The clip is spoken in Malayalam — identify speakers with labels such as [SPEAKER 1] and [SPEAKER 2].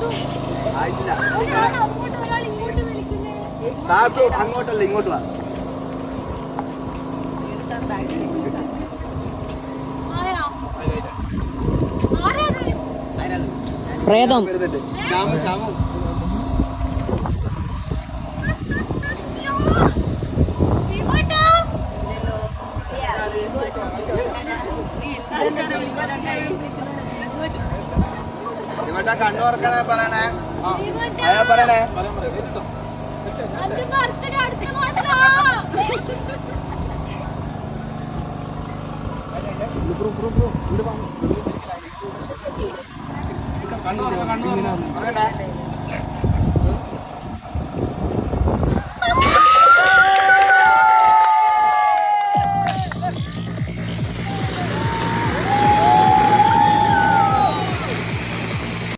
[SPEAKER 1] ആയിട്ടില്ല. സാസു അങ്ങോട്ടല്ല ഇങ്ങോട്ട് വാ.
[SPEAKER 2] പ്രേതം
[SPEAKER 1] ഇവിടെ കണ്ണു തുറക്കണേ പറയണേ. പറയണേ കണ്ണു പറയണേ.